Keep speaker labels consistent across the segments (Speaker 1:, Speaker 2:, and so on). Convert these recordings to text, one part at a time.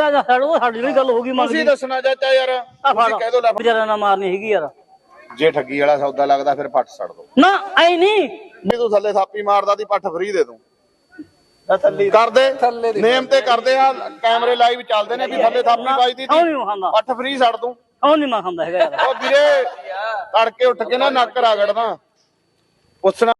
Speaker 1: ਜਾ ਛੱਡੋ ਸਾਡੀ ਵੀ ਗੱਲ ਹੋ ਗਈ
Speaker 2: ਤੁਸੀਂ ਦੱਸਣਾ ਚਾਚਾ ਯਾਰ ਤੁਸੀਂ ਕਹਿ ਦੋ ਲੈ
Speaker 1: ਵਿਚਾਰਾ ਨਾ ਮਾਰਨੀ ਹੈਗੀ ਯਾਰ
Speaker 2: ਜੇ ਠੱਗੀ ਵਾਲਾ ਸੌਦਾ ਲੱਗਦਾ ਫਿਰ ਪੱਟ ਛੱਡ ਦੋ
Speaker 1: ਨਾ ਐ ਨਹੀਂ
Speaker 2: ਤੂੰ ਥੱਲੇ ਥਾਪੀ ਮਾਰਦਾ ਦੀ ਪੱਠ ਫਰੀ ਦੇ ਦੂੰ ਕਰਦੇ ਨੇਮ ਤੇ ਕਰਦੇ ਆ ਕੈਮਰੇ ਲਾਈਵ ਚੱਲਦੇ ਨੇ ਵੀ ਥੱਲੇ ਥਾਪੀ ਵੱਜਦੀ ਸੀ ਪੱਠ ਫਰੀ ਛੱਡ ਦੂੰ
Speaker 1: ਉਹ ਨਹੀਂ ਮੈਂ ਖਾਂਦਾ ਹੈਗਾ ਯਾਰ
Speaker 2: ਉਹ ਵੀਰੇ ਤੜਕੇ ਉੱਠ ਕੇ ਨਾ ਨੱਕ ਰਗੜਦਾ ਪੁੱਛਣਾ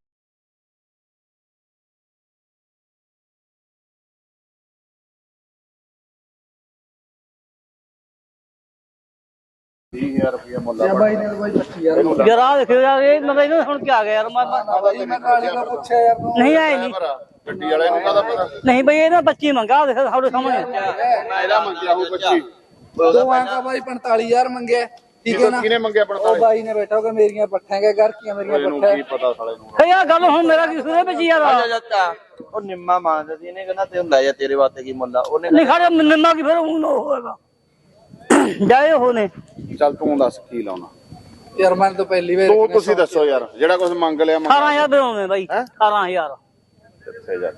Speaker 2: ਰੁਪਏ ਮੁੱਲ
Speaker 3: ਬਾਈ ਨੇ ਬਾਈ 25000
Speaker 1: ਯਾਰ ਆ ਦੇਖੋ ਯਾਰ ਇਹ ਮਤਲਬ ਇਹਨਾਂ ਹੁਣ ਕੀ ਆ ਗਿਆ ਯਾਰ
Speaker 3: ਮੈਂ ਕਾਲੇ ਦਾ ਪੁੱਛਿਆ ਯਾਰ
Speaker 1: ਨਹੀਂ ਆਏ ਨਹੀਂ
Speaker 2: ਗੱਡੀ ਵਾਲੇ ਨੂੰ ਕਾਹਦਾ ਪਤਾ
Speaker 1: ਨਹੀਂ ਬਈ ਇਹਨਾਂ 25 ਮੰਗਾ ਦੇਖ ਸਾਡੇ ਸਾਹਮਣੇ
Speaker 2: ਮੈਂ ਇਹਦਾ ਮੰਗਿਆ ਉਹ 25
Speaker 3: ਦੋ ਆਂਕਾ ਬਾਈ 45000 ਮੰਗਿਆ ਠੀਕ ਹੈ ਨਾ
Speaker 2: ਕਿਹਨੇ ਮੰਗਿਆ
Speaker 3: ਉਹ ਬਾਈ ਨੇ ਬੈਠਾ ਹੋਗਾ ਮੇਰੀਆਂ ਪੱਠਾਂ ਕੇ ਘਰ ਕੀਆਂ ਮੇਰੀਆਂ ਪੱਠਾਂ
Speaker 2: ਕੀ ਪਤਾ ਸਾਲੇ ਨੂੰ
Speaker 1: ਫੇ ਯਾਰ ਗੱਲ ਹੁਣ ਮੇਰਾ ਕੀ ਸੁਣੇ ਵਿੱਚ ਯਾਰ
Speaker 4: ਚਾਚਾ ਉਹ ਨਿੰਮਾ ਮੰਗਦਾ ਸੀ ਇਹਨੇ ਕਹਿੰਦਾ ਤੇ ਲੈ ਜਾ ਤੇਰੇ ਵਾਸਤੇ ਕੀ ਮੁੱਲ ਆ ਉਹਨੇ
Speaker 1: ਨਹੀਂ ਖੜਿਆ ਨਿੰਮਾ ਕੀ ਫਿਰ ਹੁਣ ਹੋਏਗਾ ਜਾਏ ਹੋਣੇ
Speaker 2: ਚੱਲ ਤੂੰ ਦੱਸ ਕੀ ਲਾਉਣਾ
Speaker 3: ਯਾਰ ਮੈਂ ਤਾਂ ਪਹਿਲੀ ਵਾਰ
Speaker 2: ਤੂੰ ਤੁਸੀਂ ਦੱਸੋ ਯਾਰ ਜਿਹੜਾ ਕੁਝ ਮੰਗ ਲਿਆ
Speaker 1: 18000 ਦੇ ਆਉਂਦੇ ਬਾਈ 18000
Speaker 2: ਕਿੱਥੇ ਜਾ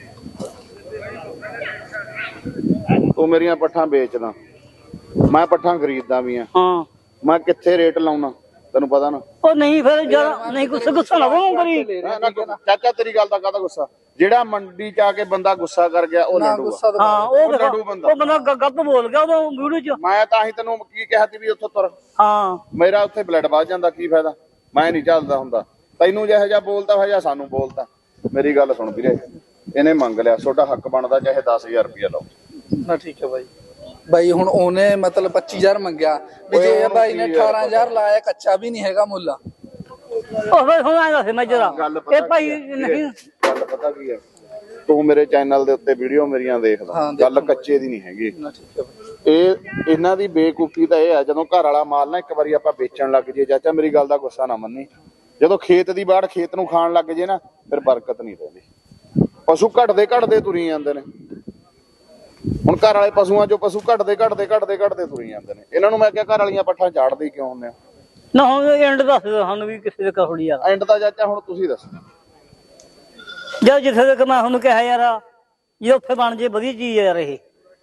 Speaker 2: ਤੂੰ ਮੇਰੀਆਂ ਪੱਠਾਂ ਵੇਚਦਾ ਮੈਂ ਪੱਠਾਂ ਖਰੀਦਦਾ ਵੀ ਆ
Speaker 1: ਹਾਂ
Speaker 2: ਮੈਂ ਕਿੱਥੇ ਰੇਟ ਲਾਉਣਾ ਤੈਨੂੰ ਪਤਾ ਨਾ
Speaker 1: ਉਹ ਨਹੀਂ ਫਿਰ ਯਾਰ ਨਹੀਂ ਗੁੱਸਾ ਨਾ ਕਰੋ ਕਰੀ
Speaker 2: ਚਾਚਾ ਤੇਰੀ ਗੱਲ ਦਾ ਕਾਹਦਾ ਗੁੱਸਾ ਜਿਹੜਾ ਮੰਡੀ ਚ ਆ ਕੇ ਬੰਦਾ ਗੁੱਸਾ ਕਰ ਗਿਆ ਉਹ ਲੜੂਗਾ
Speaker 1: ਹਾਂ ਉਹ
Speaker 2: ਲੜੂ ਬੰਦਾ
Speaker 1: ਉਹ ਬੰਦਾ ਗਲਤ ਬੋਲ ਗਿਆ ਉਹ ਵੀਡੀਓ ਚ
Speaker 2: ਮੈਂ ਤਾਂ ਹੀ ਤੈਨੂੰ ਕੀ ਕਿਹਾ ਸੀ ਵੀ ਉੱਥੋਂ ਤੁਰ
Speaker 1: ਹਾਂ
Speaker 2: ਮੇਰਾ ਉੱਥੇ ਬਲੱਡ ਵੱਧ ਜਾਂਦਾ ਕੀ ਫਾਇਦਾ ਮੈਂ ਨਹੀਂ ਚੱਲਦਾ ਹੁੰਦਾ ਤੈਨੂੰ ਜਿਹੋ ਜਿਹਾ ਬੋਲਦਾ ਹੋਇਆ ਜਾਂ ਸਾਨੂੰ ਬੋਲਦਾ ਮੇਰੀ ਗੱਲ ਸੁਣ ਵੀਰੇ ਇਹਨੇ ਮੰਗ ਲਿਆ ਤੁਹਾਡਾ ਹੱਕ ਬਣਦਾ ਚਾਹੇ 10000 ਰੁਪਇਆ ਲਓ
Speaker 3: ਨਾ ਠੀਕ ਹੈ ਬਾਈ ਬਾਈ ਹੁਣ ਉਹਨੇ ਮਤਲਬ 25000 ਮੰਗਿਆ ਵੀ ਜੇ ਬਾਈ ਨੇ 18000 ਲਾਇਆ ਕੱਚਾ ਵੀ ਨਹੀਂ ਹੈਗਾ ਮੁੱਲਾ
Speaker 1: ਉਹ ਫਿਰ ਹੁਣ ਆਇਆ ਸੀ ਮੈਂ ਜਰਾ ਇਹ ਭਾਈ ਨਹੀਂ
Speaker 2: ਗੱਲ ਪਤਾ ਕੀ ਹੈ ਤੂੰ ਮੇਰੇ ਚੈਨਲ ਦੇ ਉੱਤੇ ਵੀਡੀਓ ਮੇਰੀਆਂ ਦੇਖਦਾ ਗੱਲ ਕੱਚੇ ਦੀ ਨਹੀਂ ਹੈਗੀ ਇਹ ਇਹਨਾਂ ਦੀ ਬੇਕੂਫੀ ਤਾਂ ਇਹ ਆ ਜਦੋਂ ਘਰ ਵਾਲਾ ਮਾਲ ਨਾ ਇੱਕ ਵਾਰੀ ਆਪਾਂ ਵੇਚਣ ਲੱਗ ਜੇ ਚਾਚਾ ਮੇਰੀ ਗੱਲ ਦਾ ਗੁੱਸਾ ਨਾ ਮੰਨੀ ਜਦੋਂ ਖੇਤ ਦੀ ਬਾੜ ਖੇਤ ਨੂੰ ਖਾਣ ਲੱਗ ਜੇ ਨਾ ਫਿਰ ਬਰਕਤ ਨਹੀਂ ਰਹਿੰਦੀ ਪਸ਼ੂ ਘਟਦੇ ਤੁਰੀ ਜਾਂਦੇ ਨੇ ਹੁਣ ਘਰ ਵਾਲੇ ਪਸ਼ੂਆਂ ਚੋਂ ਪਸ਼ੂ ਘਟਦੇ ਤੁਰੀ ਜਾਂਦੇ ਨੇ ਇਹਨਾਂ ਨੂੰ ਮੈਂ ਕਿਹਾ ਘਰ ਵਾਲੀਆਂ ਪੱਠਾਂ ਝਾੜਦੇ ਕਿਉਂ ਹੁੰਦੇ ਆ
Speaker 1: ਨਾ ਹੁਣ ਐਂਡ ਦੱਸ ਦਿਓ ਸਾਨੂੰ ਵੀ ਕਿਸੇ ਦੇ ਕਹੋੜੀ ਯਾਰ
Speaker 2: ਐਂਡ ਦਾ ਚਾਚਾ ਹੁਣ ਤੁਸੀਂ ਦੱਸੋ
Speaker 1: ਜਦ ਜਿੱਥੇ ਤੱਕ ਮੈਂ ਤੁਹਾਨੂੰ ਕਿਹਾ ਯਾਰ ਜੇ ਉੱਥੇ ਬਣ ਜੇ ਵਧੀਆ ਚੀਜ਼ ਯਾਰ ਇਹ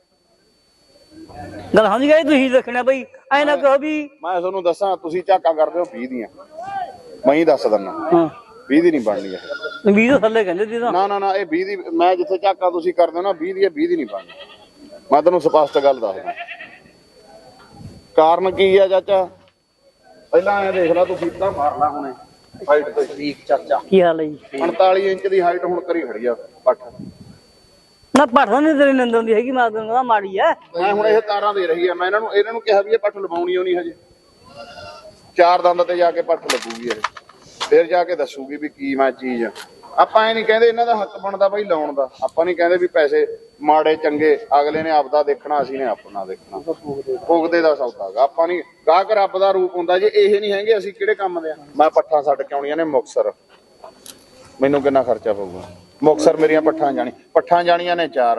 Speaker 1: ਗੱਲ ਸਮਝ ਗਏ ਤੁਸੀਂ ਦੇਖਣਾ ਬਈ ਐ ਨਾ ਕਹੋ ਵੀ
Speaker 2: ਮੈਂ ਤੁਹਾਨੂੰ ਦੱਸਾਂ ਤੁਸੀਂ ਝਾਕਾ ਕਰਦੇ ਹੋ 20 ਦੀਆਂ ਮੈਂ ਹੀ ਦੱਸ ਦਿੰਦਾ
Speaker 1: ਹਾਂ
Speaker 2: 20 ਦੀ ਨਹੀਂ ਬਣਨੀ ਇਹ
Speaker 1: 20 ਤੋਂ ਥੱਲੇ ਕਹਿੰਦੇ ਸੀ ਤਾਂ
Speaker 2: ਨਾ ਇਹ 20 ਦੀ ਮੈਂ ਜਿੱਥੇ ਝਾਕਾ ਤੁਸੀਂ ਕਰਦੇ ਹੋ ਨਾ 20 ਦੀ ਨਹੀਂ ਬਣਨੀ ਮੈਂ ਤੁਹਾਨੂੰ ਸਪਸ਼ਟ ਗੱਲ ਦੱਸਦਾ ਕਾਰਨ ਕੀ ਆ ਚਾਚਾ ਪਹਿਲਾਂ ਇਹ ਦੇਖ ਲੈ ਤੂੰ ਫੀਤਾ ਮਾਰ ਲਾ ਹੁਣੇ ਹਾਈਟ ਤੇ
Speaker 4: ਠੀਕ ਚਾਚਾ
Speaker 1: ਕੀ ਹਾਲ ਹੈ ਜੀ
Speaker 2: 45 ਇੰਚ ਦੀ ਹਾਈਟ ਹੁਣ ਕਰੀ ਖੜੀ ਆ ਪੱਠ
Speaker 1: ਨਾ ਪੜਦਾ ਨਹੀਂ ਤੇਰੀ ਨੰਦ ਹੁੰਦੀ ਹੈਗੀ ਮੈਂ ਤੈਨੂੰ ਕਹਿੰਦਾ ਮਾੜੀ ਐ
Speaker 2: ਮੈਂ ਹੁਣ ਇਹ ਤਾਰਾਂ ਦੇ ਰਹੀ ਆ ਮੈਂ ਇਹਨਾਂ ਨੂੰ ਕਿਹਾ ਵੀ ਇਹ ਪੱਠ ਲਵਾਉਣੀ ਹੋਣੀ ਹਜੇ 4 ਦੰਦ ਤੇ ਜਾ ਕੇ ਪੱਠ ਲੱਗੂਗੀ ਇਹ ਫਿਰ ਜਾ ਕੇ ਦੱਸੂਗੀ ਵੀ ਕੀ ਮੈਂ ਚੀਜ਼ ਆ ਆਪਾਂ ਇਹ ਨਹੀਂ ਕਹਿੰਦੇ ਇਹਨਾਂ ਦਾ ਹੱਕ ਬਣਦਾ ਬਾਈ ਲਾਉਣ ਦਾ ਆਪਾਂ ਨਹੀਂ ਕਹਿੰਦੇ ਵੀ ਪੈਸੇ ਮਾੜੇ ਚੰਗੇ ਅਗਲੇ ਨੇ ਆਪਦਾ ਦੇਖਣਾ ਅਸੀਂ ਨੇ ਆਪਣਾ ਦੇਖਣਾ ਭੁਗਦੇ ਦਾ ਸੌਦਾ ਗਾ ਆਪਾਂ ਨਹੀਂ ਗਾਹਕ ਰੱਬ ਦਾ ਰੂਪ ਹੁੰਦਾ ਜੇ ਇਹ ਨਹੀਂ ਹੈਗੇ ਅਸੀਂ ਕਿਹੜੇ ਕੰਮ ਦੇ ਆ ਮੈਂ ਪੱਠਾਂ ਛੱਡ ਕੇ ਆਉਣੀਆਂ ਨੇ ਮੁਕਤਸਰ ਮੈਨੂੰ ਕਿੰਨਾ ਖਰਚਾ ਪਊਗਾ ਮੁਕਤਸਰ ਮੇਰੀਆਂ ਪੱਠਾਂ ਜਾਣੀਆਂ ਨੇ 4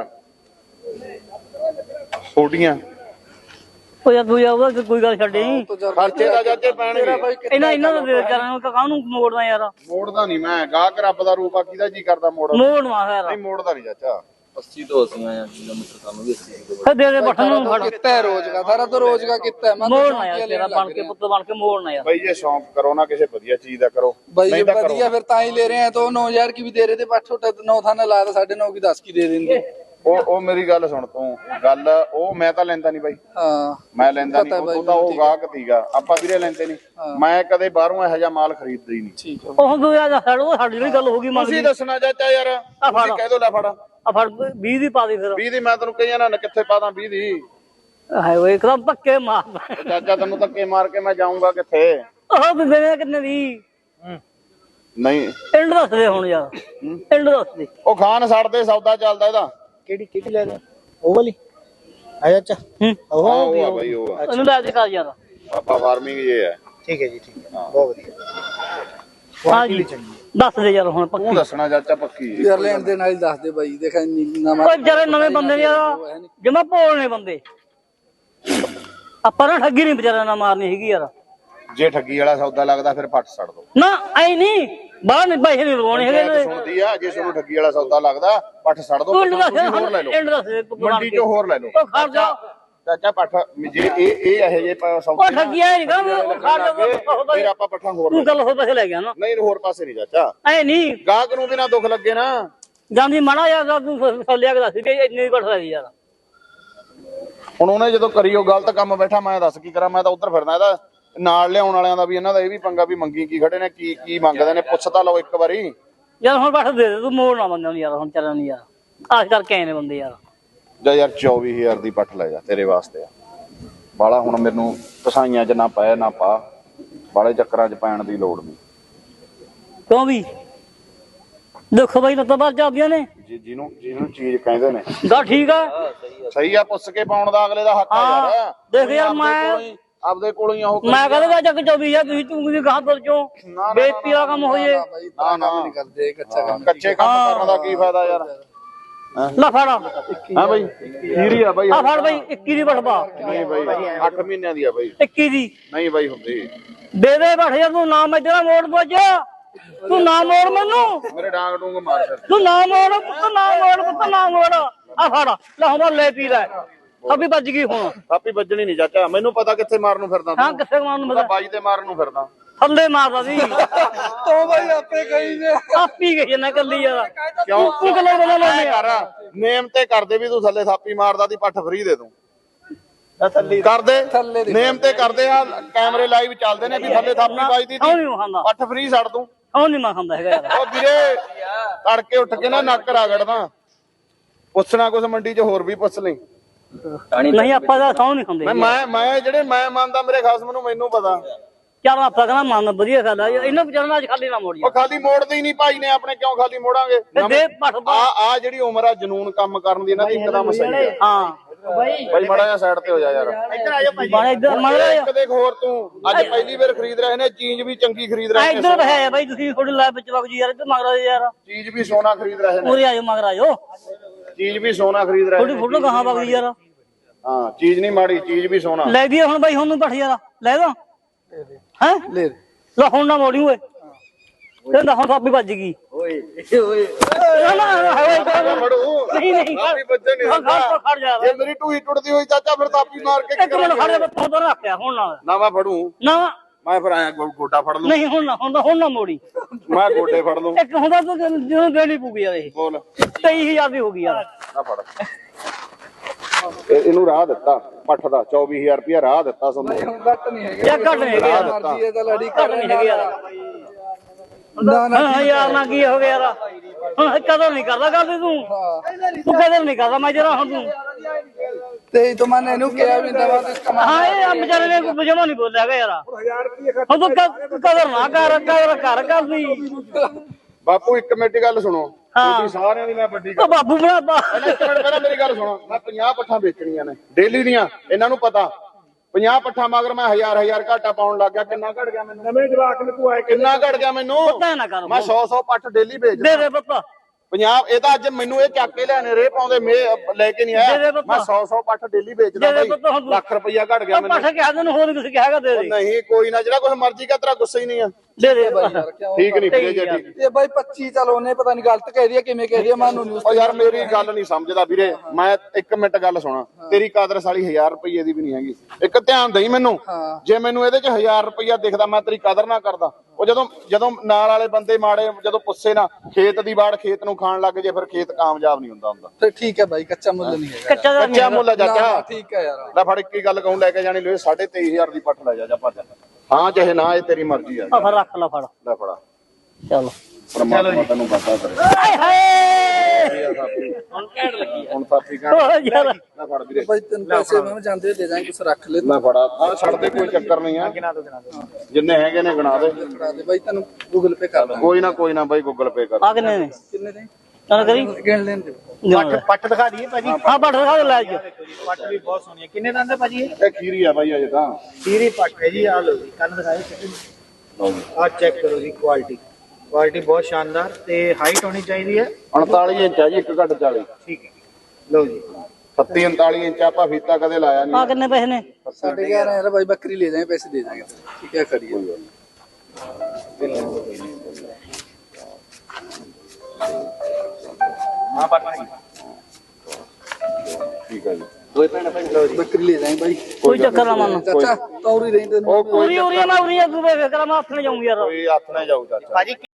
Speaker 2: ਛੋਟੀਆਂ
Speaker 1: ਉਹ ਯਾਰ ਤੂੰ ਉਹਦਾ ਕੋਈ ਗੱਲ ਛੱਡੇ ਨਹੀਂ
Speaker 2: ਖਰਚੇ ਦਾ ਜਾਜੇ ਪੈਣਗੇ
Speaker 1: ਇਹਨਾਂ ਦਾ ਵਿਚਾਰਾਂ ਨੂੰ ਕਾਹਨੂੰ ਮੋੜਦਾ ਯਾਰ
Speaker 2: ਮੋੜਦਾ ਨਹੀਂ ਮੈਂ ਗਾਹਕ ਰੱਬ ਦਾ ਰੂਪ ਆ ਕਿਹਦਾ ਜੀ ਕਰਦਾ ਮੋੜਨ
Speaker 1: ਮੋੜਵਾ ਫਿਰ
Speaker 2: ਨਹੀਂ ਮੋੜਦਾ ਨਹੀਂ ਚਾਚਾ
Speaker 4: 80 ਤੋਂ 80 ਆਇਆ ਕਿਲੋਮੀਟਰ ਸਾਨੂੰ ਵੀ 80
Speaker 1: ਫਿਰ ਦੇ ਬੱਠਣ ਨੂੰ ਫੜ
Speaker 3: ਕਿੱਤਾ ਹੈ ਰੋਜ਼ਗਾ ਸਾਰਾ ਤਾਂ ਰੋਜ਼ਗਾ ਕਿੱਤਾ ਮੈਂ
Speaker 1: ਮੋੜਨਾ ਯਾਰ ਤੇਰਾ ਬਣ ਕੇ ਪੁੱਤ ਬਣ ਕੇ ਮੋੜਨਾ ਯਾਰ
Speaker 2: ਬਈ ਜੇ ਸ਼ੌਂਕ ਕਰੋ ਨਾ ਕਿਸੇ ਵਧੀਆ ਚੀਜ਼ ਦਾ ਕਰੋ
Speaker 3: भाई ये बढ़िया फिर ताई ले रहे हैं तो 9000 की भी दे रहे थे पाठ छोटा 9 थाने लाया था 9.5 की 10 की दे देंगे
Speaker 2: ਉਹ ਮੇਰੀ ਗੱਲ ਸੁਣ ਤੂੰ ਗੱਲ ਉਹ ਮੈਂ ਤਾਂ ਲੈਂਦਾ ਨਹੀਂ ਬਾਈ
Speaker 3: हाँ
Speaker 2: ਮੈਂ ਲੈਂਦਾ ਨਹੀਂ ਉਹ ਤਾਂ ਉਹ ਗਾਹਕ ਸੀਗਾ ਆਪਾਂ ਵੀਰੇ ਲੈਂਦੇ ਨਹੀਂ ਮੈਂ ਕਦੇ ਬਾਹਰੋਂ ਇਹੋ ਜਿਹਾ ਮਾਲ ਖਰੀਦਦਾ ਹੀ ਨਹੀਂ
Speaker 3: ठीक है
Speaker 1: ਉਹ ਤੂੰ ਯਾਰ ਛੱਡ ਸਾਡੀ ਵੀ ਗੱਲ ਹੋ ਗਈ
Speaker 2: ਤੁਸੀਂ ਦੱਸਣਾ ਚਾਚਾ ਯਾਰ ਤੁਸੀਂ ਕਹਿ ਦੋ ਲੈ ਫੜ
Speaker 1: ਆ ਫੜ 20 ਦੀ ਪਾ ਦੇ ਫਿਰ
Speaker 2: 20 ਦੀ ਮੈਂ ਤੈਨੂੰ ਕਹੀਆਂ ਨਾ ਕਿੱਥੇ ਪਾਦਾ 20 ਦੀ
Speaker 1: ਹਾਏ ਓਏ ਇੱਕਦਮ ਪੱਕੇ ਮਾਰ
Speaker 2: ਚਾਚਾ ਤੈਨੂੰ ਧੱਕੇ ਮਾਰ ਕੇ ਮੈਂ ਜਾਊਂਗਾ ਕਿੱਥੇ
Speaker 1: ਉਹ ਦਿੰਦੇ ਕਿੰਨੇ ਦੀ
Speaker 2: ਨਹੀਂ
Speaker 1: ਐਂਡ ਦੱਸ ਦੇ ਹੁਣ ਯਾਰ ਐਂਡ ਦੱਸ ਦੇ
Speaker 2: ਉਹ ਖਾਨ ਛੱਡਦੇ ਸੌਦਾ ਚੱਲਦਾ ਇਹਦਾ
Speaker 4: ਕਿਹੜੀ ਲੈ ਲੈ ਉਹ ਵਾਲੀ ਆ ਚਾਚਾ
Speaker 2: ਉਹ ਆ ਬਾਈ ਉਹ ਆ
Speaker 1: ਇਹਨੂੰ ਲੈ ਦੇ ਕਰ ਯਾਰ
Speaker 2: ਪਾਪਾ ਫਾਰਮਿੰਗ ਇਹ ਹੈ
Speaker 4: ਠੀਕ ਹੈ ਜੀ ਠੀਕ ਹੈ ਬਹੁਤ ਵਧੀਆ
Speaker 1: ਹਾਂ ਜੀ ਦੱਸ ਦੇ ਯਾਰ ਹੁਣ
Speaker 2: ਤੂੰ
Speaker 1: ਪੱਕੀ
Speaker 2: ਦੱਸਣਾ ਚਾਚਾ ਪੱਕੀ
Speaker 3: यार लेन दे नाल दस दे भाई देखा नवा
Speaker 1: ਓਏ ਜਿਹੜੇ ਨਵੇਂ ਬੰਦੇ ਨੇ ਯਾਰ ਜਮਾ ਭੋਲ ਨੇ ਬੰਦੇ ਆਪਾਂ ਨਾ ਠੱਗੀ ਨਹੀਂ ਵਿਚਾਰਾ ਨਾ ਮਾਰਨੀ ਹੈਗੀ ਯਾਰ
Speaker 2: ਜੇ ਠੱਗੀ ਵਾਲਾ ਸੌਦਾ ਲੱਗਦਾ ਫਿਰ ਪੱਟ ਛੱਡ ਦੋ
Speaker 1: ਨਾ ਐ ਨਹੀਂ ਬਾਹਰ ਨਹੀਂ ਪੈਸੇ ਨਹੀਂ ਲਵਾਉਣੇ ਹੈਗੇ
Speaker 2: ਪੰਚਾਇਤ ਸੁਣਦੀ ਆ, ਜੇ ਤੁਹਾਨੂੰ ਠੱਗੀ ਵਾਲਾ ਸੌਦਾ ਲੱਗਦਾ ਪੱਠ ਛੱਡ ਦੋ,
Speaker 1: ਤੂੰ
Speaker 2: ਤੁਸੀਂ ਹੋਰ ਲੈ ਲਓ, ਮੰਡੀ ਚੋਂ ਹੋਰ ਲੈ ਲਓ।
Speaker 1: ਉਹ ਖਰਚਾ
Speaker 2: ਚਾਚਾ ਪੱਠ ਜੇ ਇਹ ਇਹੋ ਜਿਹੇ ਸੌਦੇ
Speaker 1: ਉਹ ਠੱਗੀਆਂ ਨਹੀਂ ਗਾ
Speaker 2: ਫਿਰ ਆਪਾਂ ਪੱਠਾਂ ਹੋਰ
Speaker 1: ਤੂੰ ਗੱਲ ਹੋਰ ਪੈਸੇ ਲੈ ਗਿਆ ਨਾ
Speaker 2: ਨਹੀਂ ਹੋਰ ਪਾਸੇ ਨਹੀਂ ਚਾਚਾ,
Speaker 1: ਐ ਨਹੀਂ
Speaker 2: ਗਾਹਕ ਨੂੰ ਵੀ ਨਾ ਦੁੱਖ ਲੱਗੇ ਨਾ।
Speaker 1: ਜਾਂਦੀ ਮਾੜਾ ਯਾਰ ਤੂੰ ਲਿਆ ਕੇ ਦੱਸ ਕਿ ਇੰਨੀ ਘਟ ਰਹੀ ਯਾਰ।
Speaker 2: ਹੁਣ ਉਹਨੇ ਜਦੋਂ ਕਰੀ ਉਹ ਗਲਤ ਕੰਮ ਬੈਠਾ, ਮੈਂ ਦੱਸ ਕੀ ਕਰਾਂ, ਮੈਂ ਤਾਂ ਉੱਧਰ ਫਿਰਦਾ। ਇਹਦਾ ਨਾਲ ਲਿਆਉਣ ਵਾਲਿਆਂ ਦਾ ਵੀ ਇਹਨਾਂ ਦਾ ਇਹ ਵੀ ਪੰਗਾ ਵੀ ਮੰਗੀ ਕੀ ਖੜੇ ਨੇ, ਕੀ ਕੀ ਮੰਗਦੇ ਨੇ, ਪੁੱਛ ਤਾਂ ਲਓ ਇੱਕ ਵਾਰੀ।
Speaker 1: ਯਾਰ ਹੁਣ ਬੱਠ ਦੇ ਤੂੰ ਮੋੜ ਨਾ ਬੰਦੇ ਨੂੰ ਯਾਰ, ਹੁਣ ਚੱਲਣ ਨਹੀਂ ਯਾਰ, ਆਸ ਕਰਕੇ ਆਏ ਨੇ ਬੰਦੇ ਯਾਰ।
Speaker 2: ਜਾ ਯਾਰ 24,000 ਦੀ ਪੱਠ ਲੈ ਜਾ, ਤੇਰੇ ਵਾਸਤੇ ਆ ਬਾਲਾ। ਹੁਣ ਮੈਨੂੰ ਕਸਾਈਆਂ 'ਚ ਨਾ ਪੈ ਨਾ ਪਾ, ਬਾਲੇ ਚੱਕਰਾਂ 'ਚ ਪੈਣ ਦੀ ਲੋੜ ਨਹੀਂ।
Speaker 1: ਕਿਉਂ ਵੀ ਦੇਖੋ ਬਾਈ ਲੱਤਾਂ ਬਾਹਰ ਜਾਂਦੀਆਂ ਨੇ,
Speaker 2: ਜਿਹਨੂੰ ਚੀਜ਼ ਕਹਿੰਦੇ ਨੇ
Speaker 1: ਗਾ ਠੀਕ ਆ
Speaker 2: ਸਹੀ ਆ, ਪੁੱਛ ਕੇ ਪਾਉਣ ਦਾ ਅਗਲੇ ਦਾ ਹੱਕ ਆ ਯਾਰ।
Speaker 1: ਦੇਖ ਯਾਰ ਮੈਂ
Speaker 2: ਆਪਦੇ ਕੋਲੋਂ ਹੀ ਉਹ
Speaker 1: ਮੈਂ ਕਹਿੰਦਾ ਜੱਗ 24 ਤੁਸੀਂ ਤੂੰ ਵੀ ਗਾਹ ਤੁਰ ਚੋਂ ਬੇਇੱਜ਼ਤੀ ਦਾ ਕੰਮ ਹੋ ਜੇ।
Speaker 3: ਨਾ ਨਹੀਂ ਕਰਦੇ
Speaker 2: ਕੱਚੇ ਕੰਮ ਕਰਨ ਦਾ ਕੀ ਫਾਇਦਾ ਯਾਰ।
Speaker 1: ਲੈ ਫੜਾ
Speaker 2: ਹਾਂ ਬਾਈ ਖੀਰੀ ਆ ਬਾਈ,
Speaker 1: ਆ ਫੜ ਬਾਈ 21 ਦੀ ਬਠਵਾ।
Speaker 2: ਨਹੀਂ ਬਾਈ 8 ਮਹੀਨਿਆਂ ਦੀ ਆ ਬਾਈ।
Speaker 1: 21 ਦੀ
Speaker 2: ਨਹੀਂ ਬਾਈ ਹੁੰਦੀ,
Speaker 1: ਦੇ ਦੇ ਬੈਠ ਯਾਰ, ਤੂੰ ਨਾ ਮੈਦਾਂ ਮੋੜ ਪੁੱਜ, ਤੂੰ ਨਾ ਮੋੜ ਮੈਨੂੰ,
Speaker 2: ਮੇਰੇ ਡਾਂਗ ਡੂੰਗ ਮਾਰ ਫਿਰ।
Speaker 1: ਤੂੰ ਨਾ ਮੋੜ ਪੁੱਤ, ਨਾ ਮੋੜ ਪੁੱਤ, ਨਾ ਮੋੜ। ਆ ਫੜ ਲੈ ਹੁਣ ਲੈ ਪੀ ਲੈ, ਅਭੀ ਵੱਜ ਗਈ ਹੁਣ।
Speaker 2: ਥਾਪੀ ਵੱਜਣੀ ਨਹੀਂ ਚਾਚਾ, ਮੈਨੂੰ ਪਤਾ ਕਿੱਥੇ ਮਾਰਨ ਨੂੰ ਫਿਰਦਾ
Speaker 1: ਹਾਂ
Speaker 2: ਤੂੰ।
Speaker 1: ਕਿੱਥੇ ਮਾਰਨ ਨੂੰ
Speaker 2: ਪਤਾ
Speaker 1: ਪਤਾ,
Speaker 2: ਬਾਈ ਤੇ ਮਾਰਨ ਨੂੰ ਫਿਰਦਾ।
Speaker 1: ਥੱਲੇ ਮਾਰਦਾ ਸੀ
Speaker 3: ਤੂੰ ਬਾਈ ਆਪੇ ਕਹੀ ਜੇ
Speaker 1: ਆਪੀ ਗਈ ਨਾ ਕੱਲੀ ਯਾਰ।
Speaker 2: ਕਿਉਂ
Speaker 1: ਤੂੰ ਗੱਲਾਂ ਬਣਾ ਲੈ
Speaker 2: ਕਰ ਨੇਮ ਤੇ ਕਰਦੇ ਵੀ ਤੂੰ ਥੱਲੇ ਥਾਪੀ ਮਾਰਦਾ ਦੀ ਪੱਠ ਫਰੀ ਦੇ ਦੂੰ। ਕਰਦੇ ਨੇਮ ਤੇ ਕਰਦੇ ਆ, ਕੈਮਰੇ ਲਾਈਵ ਚੱਲਦੇ ਨੇ ਵੀ ਥੱਲੇ ਥਾਪੀ ਵੱਜਦੀ
Speaker 1: ਕਿਉਂ ਨਹੀਂ ਖਾਂਦਾ,
Speaker 2: ਪੱਠ ਫਰੀ ਛੱਡ ਦੂੰ।
Speaker 1: ਕਿਉਂ ਨਹੀਂ ਮੈਂ ਖਾਂਦਾ ਹੈਗਾ ਯਾਰ।
Speaker 2: ਉਹ ਵੀਰੇ ਤੜਕੇ ਉੱਠ ਕੇ ਨਾ ਨੱਕ ਰਗੜਦਾ, ਪੁੱਛਣਾ ਕੁਛ ਮੰਡੀ 'ਚ ਹੋਰ ਵੀ ਪੁੱਛ ਲਈ।
Speaker 1: ਨਹੀਂ ਆਪਾਂ ਤਾਂ ਸੌ ਨਹੀਂ ਖਾਂਦੇ।
Speaker 2: ਮੈਂ ਜਿਹੜੇ ਮੈਂ ਮੰਨਦਾ ਮੇਰੇ ਖਾਸਮ ਨੂੰ ਮੈਨੂੰ ਪਤਾ।
Speaker 1: ਚੱਲ ਆਪਾਂ ਕਹਿੰਦਾ ਮਨ ਵਧੀਆ ਗੱਲ ਆ, ਇਹਨਾਂ ਵਿਚਾਰਾਂ ਅੱਜ ਖਾਲੀ ਨਾ ਮੋੜੀ।
Speaker 2: ਉਹ ਖਾਲੀ ਮੋੜਦੇ ਹੀ ਨਹੀਂ ਭਾਈ ਨੇ ਆਪਣੇ, ਕਿਉਂ ਖਾਲੀ ਮੋੜਾਂਗੇ।
Speaker 1: ਦੇ ਪੱਠ
Speaker 2: ਆ ਜਿਹੜੀ ਉਮਰ ਆ ਜਨੂਨ ਕੰਮ ਕਰਨ ਦੀ ਇਹਨਾਂ ਦੀ ਇੱਕਦਮ ਸਹੀ ਹੈ।
Speaker 1: ਹਾਂ
Speaker 2: ਬਾਈ ਮਾੜਾ ਜਿਹਾ ਸਾਈਡ ਤੇ ਹੋ ਜਾ ਯਾਰ।
Speaker 1: ਇੱਧਰ ਆ ਜਾ ਭਾਈ, ਬਾਣੇ ਇੱਧਰ ਮੰਨ ਲੈ
Speaker 2: ਇੱਕ ਦੇਖ ਹੋਰ, ਤੂੰ ਅੱਜ ਪਹਿਲੀ ਵਾਰ ਖਰੀਦ ਰਹੇ ਨੇ, ਚੀਜ਼ ਵੀ ਚੰਗੀ ਖਰੀਦ ਰਹੇ ਨੇ।
Speaker 1: ਇੱਧਰ ਹੈ ਬਾਈ, ਤੁਸੀਂ ਥੋੜੀ ਲੈ ਵਿੱਚ ਵਗ ਜੀ ਯਾਰ, ਇੱਧਰ ਮਗਰ ਯਾਰ,
Speaker 2: ਚੀਜ਼ ਵੀ ਸੋਨਾ ਖਰੀਦ ਰਹੇ ਨੇ,
Speaker 1: ਉਰੇ ਆਜੋ ਮਗਰ ਆਜੋ,
Speaker 2: ਚੀਜ਼ ਵੀ ਸੋਨਾ ਖਰੀਦ ਰਹੇ
Speaker 1: ਥੋੜੀ
Speaker 2: ਨੇ।
Speaker 1: ਫੋਟੋ ਕਹਾਂ ਵਗ ਜੀ ਯਾਰ।
Speaker 2: ਹਾਂ ਚੀਜ਼ ਨਹੀਂ ਮਾੜੀ, ਚੀਜ਼ ਵੀ ਸੋਨਾ।
Speaker 1: ਲੈ ਦੀ ਹੁਣ ਬਾਈ, ਹੁਣ ਨੂੰ ਪੱਠ ਯਾਰ ਲੈ ਦੋ ਹੈ,
Speaker 3: ਲੈ
Speaker 1: ਲੈ ਹੁਣ ਨਾ ਮੋੜੀ ਓਏ, ਕਹਿੰਦਾ ਹੁਣ ਸਾਪੀ ਵੱਜ ਗਈ ਓਏ ਓਏ
Speaker 2: ਫੜੂ
Speaker 1: ਨਹੀਂ ਨਹੀਂ
Speaker 2: ਥਾਪੀ ਵੱਜੇ ਨਹੀਂ ਹੁੰਦਾ।
Speaker 1: ਖੜ ਜਾ
Speaker 2: ਜੇ ਮੇਰੀ ਟੂਈ ਟੁੱਟਦੀ ਹੋਈ ਚਾਚਾ ਫਿਰ ਥਾਪੀ ਮਾਰ ਕੇ
Speaker 1: ਇੱਕ ਮਿੰਟ ਖੜ ਜਾ, ਬੱਤੋਂ ਤੋਂ ਰੱਖਿਆ ਹੁਣ ਨਾਲ
Speaker 2: ਨਾ ਮੈਂ ਫੜੂ,
Speaker 1: ਨਾ
Speaker 2: ਮੈਂ ਫਿਰ ਆਇਆ ਗੋਡਾ ਫੜ ਲੂ।
Speaker 1: ਨਹੀਂ ਹੁਣ ਨਾ ਮੋੜੀ,
Speaker 2: ਮੈਂ ਗੋਡੇ ਫੜ ਲੂ।
Speaker 1: ਇੱਕ ਹੁੰਦਾ ਤੂੰ ਜਦੋਂ ਦੇਣੀ ਪੂਗੀ ਯਾਰ, ਇਹ
Speaker 2: ਬੋਲ
Speaker 1: 23000 ਦੀ ਹੋ ਗਈ ਯਾਰ।
Speaker 2: ਆ ਫੜ, ਇਹਨੂੰ ਰਾਹ ਦਿੱਤਾ ਪੱਠ ਦਾ 24,000 ਰੁਪਇਆ ਰਾਹ ਦਿੱਤਾ ਤੁਹਾਨੂੰ।
Speaker 3: ਘੱਟ ਨਹੀਂ ਹੈਗੇ
Speaker 1: ਯਾਰ ਘੱਟ ਨਹੀਂ ਹੈਗੇ ਯਾਰ,
Speaker 3: ਮਰਜ਼ੀ ਇਹ ਤਾਂ ਲੜੀ
Speaker 1: ਘੱਟ ਨਹੀਂ ਹੈਗੇ ਯਾਰ।
Speaker 3: ਨਾ ਨਾ
Speaker 1: ਹਾਂ ਯਾਰ ਨਾ ਕੀ ਹੋ ਗਿਆ ਯਾਰ, ਹੁਣ ਕਦਰ ਨਹੀਂ ਕਰਦਾ ਗੱਲ ਤੂੰ ਕਦਰ ਨਹੀਂ ਕਰਦਾ ਮੈਂ ਜਰਾ ਹੁਣ ਤੂੰ।
Speaker 3: ਤੇ ਤੂੰ ਮਨ ਇਹਨੂੰ ਕਿਹਾ ਵੀ ਦਵਾ ਤੇ ਕਮਾ।
Speaker 1: ਹਾਂ ਇਹ ਆ ਵਿਚਾਰੇ ਨੇ ਕੋਈ ਜਮਾ ਨਹੀਂ ਬੋਲਿਆ ਹੈਗਾ ਯਾਰ। ਹੁਣ ਤੂੰ ਕਦਰ ਨਾ ਕਰ ਕਰਦੀ।
Speaker 2: ਬਾਪੂ ਇੱਕ ਮਿੰਟ ਗੱਲ ਸੁਣੋ, ਤੁਸੀਂ ਸਾਰਿਆਂ ਦੀ ਮੈਂ ਵੱਡੀ
Speaker 1: ਉਹ ਬਾਬੂ ਬਣਾਤਾ।
Speaker 2: ਇੱਕ ਮਿੰਟ ਪਹਿਲਾਂ ਮੇਰੀ ਗੱਲ ਸੁਣੋ। ਮੈਂ 50 ਪੱਠਾਂ ਵੇਚਣੀਆਂ ਨੇ ਡੇਲੀ ਦੀਆਂ, ਇਹਨਾਂ ਨੂੰ ਪਤਾ। 50 ਪੱਠਾਂ ਮਗਰ ਮੈਂ 1000 ਘਾਟਾ ਪਾਉਣ ਲੱਗ ਗਿਆ। ਕਿੰਨਾ ਘਟ ਗਿਆ ਮੈਨੂੰ? ਨਵੇਂ ਜਵਾਕ ਨੂੰ ਤੂੰ ਆਏ ਕਿੰਨਾ ਘਟ ਗਿਆ ਮੈਨੂੰ?
Speaker 1: ਪਤਾ ਨਾ ਕਰ,
Speaker 2: ਮੈਂ 100 ਪੱਠ ਡੇਲੀ ਵੇਚਦਾ।
Speaker 1: ਦੇ ਪੁੱਤ
Speaker 2: 50 ਇਹ ਤਾਂ ਅੱਜ ਮੈਨੂੰ ਇਹ ਚੱਕ ਕੇ ਲਿਆਣੇ ਰੇ ਪਾਉਂਦੇ ਲੈ ਕੇ ਨਹੀਂ ਆਇਆ। ਮੈਂ 100 ਪੱਠ ਡੇਲੀ ਵੇਚਦਾ ਬਾਈ, ਲੱਖ ਰੁਪਇਆ ਘਟ ਗਿਆ ਮੈਨੂੰ।
Speaker 1: ਪੱਠ ਕਿਹਾ ਤੈਨੂੰ ਹੋਰ ਕੁਝ ਕਿਹਾਗਾ, ਦੇ ਦੇ।
Speaker 2: ਨਹੀਂ ਕੋਈ ਨਾ, ਜਿਹੜਾ ਕੁਝ ਮਰਜ਼ੀ ਕਾ ਤੇਰਾ ਗੁੱਸਾ ਹੀ ਨਹੀਂ ਆ।
Speaker 1: ਦੇ ਦੇ
Speaker 3: ਬਾਈ ਯਾਰ ਕਿਉਂ
Speaker 2: ਠੀਕ ਨਹੀਂ ਵੀਰੇ ਜੀ, ਠੀਕ।
Speaker 3: ਇਹ ਬਾਈ 25 ਚਲ ਉਹਨੇ ਪਤਾ ਨਹੀਂ ਗਲਤ ਕਹਿ ਰਹੀ ਹੈ ਕਿਵੇਂ ਕਹਿ ਰਹੀ ਹੈ ਮਾਨੂੰ ਨਿਊਜ਼।
Speaker 2: ਉਹ ਯਾਰ ਮੇਰੀ ਗੱਲ ਨਹੀਂ ਸਮਝਦਾ ਵੀਰੇ। ਮੈਂ ਇੱਕ ਮਿੰਟ ਗੱਲ ਸੁਣਾ, ਤੇਰੀ ਕਾਦਰ ਸਾਲੀ 1000 ਰੁਪਏ ਦੀ ਵੀ ਨਹੀਂ ਹੈਗੀ। ਇੱਕ ਧਿਆਨ ਦੇਈ ਮੈਨੂੰ, ਜੇ ਮੈਨੂੰ ਇਹਦੇ ਚ 1000 ਰੁਪਇਆ ਦਿਖਦਾ ਮੈਂ ਤੇਰੀ ਕਦਰ ਨਾ ਕਰਦਾ। ਉਹ ਜਦੋਂ ਨਾਲ ਵਾਲੇ ਬੰਦੇ ਮਾੜੇ ਜਦੋਂ ਪੁੱਛੇ ਨਾ, ਖੇਤ ਦੀ ਬਾੜ ਖੇਤ ਨੂੰ ਖਾਣ ਲੱਗ ਜੇ ਫਿਰ ਖੇਤ ਕਾਮਯਾਬ ਨਹੀਂ ਹੁੰਦਾ।
Speaker 3: ਤੇ ਠੀਕ ਹੈ ਬਾਈ, ਕੱਚਾ ਮੁੱਲ ਨਹੀਂ ਹੈਗਾ।
Speaker 2: ਕੱਚਾ ਮੁੱਲ ਆ ਚਾਚਾ।
Speaker 3: ਠੀਕ ਹੈ ਯਾਰ,
Speaker 2: ਲੈ ਫੜ ਇੱਕੀ ਗੱਲ ਕਹੂੰ, ਲੈ ਕੇ ਜਾਣੀ ਲੋਏ 23,500 ਦੀ ਪੱਠ ਲੈ ਜਾ ਭੱਜ। ਹਾਂ ਚਾਹੇ ਨਾ, ਇਹ ਤੇਰੀ ਮਰਜ਼ੀ ਆ।
Speaker 1: ਫਿਰ ਰੱਖ ਲੈ, ਫੜ
Speaker 2: ਲੈ ਫੜਾ,
Speaker 1: ਚਲੋ
Speaker 2: ਪਰਮਾਤਮਾ ਤੈਨੂੰ ਪਤਾ ਕਰੇ।
Speaker 1: ਹਾਏ ਹਾਏ
Speaker 2: ਹੁਣ ਸਾਥੀ ਕਹਿਣ
Speaker 1: ਓ ਯਾਰ
Speaker 2: ਲੈ ਫੜ ਵੀਰੇ।
Speaker 3: ਬਾਈ ਤੈਨੂੰ ਪੈਸੇ ਮੈਂ ਜਾਂਦੇ ਦੇ ਦਾਂਗੇ, ਕੁਛ ਰੱਖ ਲੈ।
Speaker 2: ਲੈ ਫੜਾ, ਆ ਛੱਡ ਦੇ, ਕੋਈ ਚੱਕਰ ਨਹੀਂ ਆ। ਜਿੰਨੇ ਹੈਗੇ ਨੇ ਗਿਣਾ ਦੇ।
Speaker 3: ਕਰਾ ਦੇ ਬਾਈ, ਤੈਨੂੰ ਗੂਗਲ ਪੇ ਕਰ ਦਾਂਗੇ।
Speaker 2: ਕੋਈ ਨਾ ਬਾਈ, ਗੂਗਲ ਪੇ ਕਰ।
Speaker 1: ਆ ਕਿੰਨੇ ਨੇ?
Speaker 3: ਕਿੰਨੇ ਦੇ
Speaker 1: ਚੱਲ ਕਰੀ
Speaker 3: ਗਿਣ ਲੈਣ ਦੇ।
Speaker 5: ਪੱਟ ਦਿਖਾ ਦਈਏ ਭਾਜੀ।
Speaker 1: ਹਾਂ ਪੱਠ ਦਿਖਾ ਦੇ ਲੈ ਅੱਜ।
Speaker 5: ਪੱਟ ਵੀ ਬਹੁਤ ਸੋਹਣੀ ਹੈ। ਕਿੰਨੇ ਦੰਦ ਹੈ ਭਾਜੀ?
Speaker 2: ਇਹ ਖੀਰੀ ਆ ਬਾਈ ਅਜੇ ਤਾਂ।
Speaker 5: ਸੀਰੀ ਪੱਟ ਹੈ ਜੀ। ਆ ਲਓ ਜੀ, ਕੰਨ ਦਿਖਾਓ। ਆ ਚੈੱਕ ਕਰੋ ਜੀ, ਕੁਆਲਿਟੀ ਬਹੁਤ ਸ਼ਾਨਦਾਰ ਤੇ ਹਾਈਟ ਹੋਣੀ ਚਾਹੀਦੀ ਹੈ
Speaker 2: 39 ਇੰਚ ਆ ਜੀ, 1 ਘੱਟ 40।
Speaker 5: ਠੀਕ ਹੈ, ਲਓ ਜੀ
Speaker 2: 37 39 ਇੰਚ ਆਪਾਂ ਫੀਤਾ ਕਦੇ ਲਾਇਆ
Speaker 1: ਆ
Speaker 2: ਨਹੀਂ।
Speaker 1: ਕਿੰਨੇ ਪੈਸੇ ਨੇ?
Speaker 3: 11,500 ਬਾਈ, ਬੱਕਰੀ ਲੈ ਜਾਏ, ਪੈਸੇ ਦੇ ਦਾਂਗੇ। ਠੀਕ ਹੈ, ਕਰੀਏ।
Speaker 5: ਹਾਂ ਪੱਠਾ ਜੀ
Speaker 2: ਠੀਕ ਹੈ ਜੀ
Speaker 5: ਦੋਏ ਭੈਣ ਲਓ ਜੀ
Speaker 3: ਬੱਕਰੀ ਲੈ ਜਾਏ ਬਾਈ
Speaker 1: ਕੋਈ ਚੱਕਰ ਨਾ ਮੰਨ
Speaker 3: ਚਾਚਾ ਤੌਰੀ ਰਹਿੰਦੇ
Speaker 2: ਉਹ ਕੋਈ
Speaker 1: ਉਰੀ ਉਰੀ ਮੈਂ ਉਰੀ ਆ ਤੂੰ ਵੇ ਕਰਾਂ ਮੈਂ ਹੱਥ ਨੇ ਜਾਊਂਗੀ ਯਾਰ
Speaker 2: ਕੋਈ ਹੱਥ ਨਾ ਜਾਊ ਚਾਚਾ
Speaker 5: ਭਾਜੀ